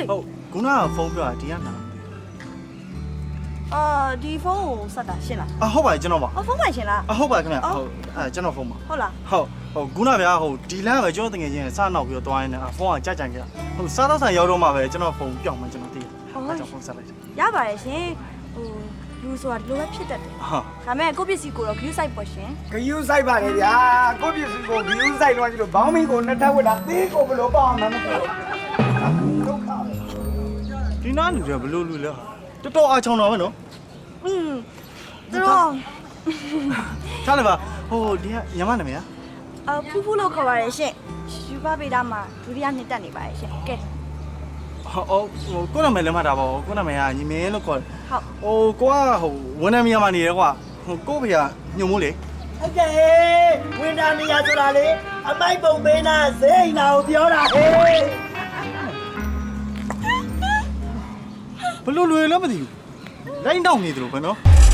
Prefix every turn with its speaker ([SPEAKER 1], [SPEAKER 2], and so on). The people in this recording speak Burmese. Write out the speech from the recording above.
[SPEAKER 1] ဟုတ်ခုနကဖုန်းပြောတာဒီကနာ
[SPEAKER 2] ဒီဖုန်းကိုဆက်တာရှင်းလား
[SPEAKER 1] ဟုတ်ပါတယ်ကျွန်တော်ပါ
[SPEAKER 2] ဖုန်းပိုင်ရှင်းလား
[SPEAKER 1] ဟုတ်ပါခင်ဗျဟုတ်ကျွန်တော်ဖုန်းပါ
[SPEAKER 2] ဟုတ်လား
[SPEAKER 1] ဟုတ်ခုနဗျာဒီလမ်းပဲကျွန်တော်တကယ်ချင်းစနောက်ပြီးတော့တွားရင်းနဲ့ဖုန်းကကြိုက်ကြိုက်ခဲ့စားတော့ဆန်ရောက်တော့မှပဲကျွန်တော်ဖုန်းပြောင်းမှကျွန်တော်သိတယ်ကျွန်တော်ဖုန်းဆက်လိုက်
[SPEAKER 2] ရပါတယ်ရှင်လူဆိုတာဒီလိုပဲဖြစ်တတ်တယ်ဒါမဲ့ကိုပစ္စည်းကိုတော့ view site ပေါ့ရှင်
[SPEAKER 3] view site ပါလေဗျာကိုပစ္စည်းကို view site တော့ကြီးလို့ဘောင်းမီကိုနှစ်ထပ်ဝတ်တာသေးကိုဘလို့ပေါ့မှမသိဘူးဒုက္ခပဲ
[SPEAKER 1] ဒီနားလူတွေဘလို့လူလဲတော်တော်အားချောင်းတော့ပဲနော်
[SPEAKER 2] သူတို့
[SPEAKER 1] ထားလိုက်ပါဒီကညမနာမည်
[SPEAKER 2] ဖူးဖူးလို့ခေါ်ပါတယ်ရှင်ယူပါပေတာမှာဒုတိယနှစ်တက်နေပါတယ်ရှင်ကဲ
[SPEAKER 1] ကိုနာမည်လည်းမှတ်တာပါကိုနာမည်ကညီမင်းလို့ခေါ်တယ်
[SPEAKER 2] ဟုတ်
[SPEAKER 1] ကိုကဝန်ထမ်းများမှာနေတယ်ကွာကိုဖေကညုံမိုးလေ
[SPEAKER 3] ဟုတ်ကဲ့ဝန်ထမ်းနေရဆိုတာလေအမိုက်ပုံပေးနာဇိမ်းနာကိုပြောတာဟေး
[SPEAKER 1] ဘလို့လွယ်လည်းမသိဘူးလိုင်းတောင်းနေတယ်လို့ပဲနော်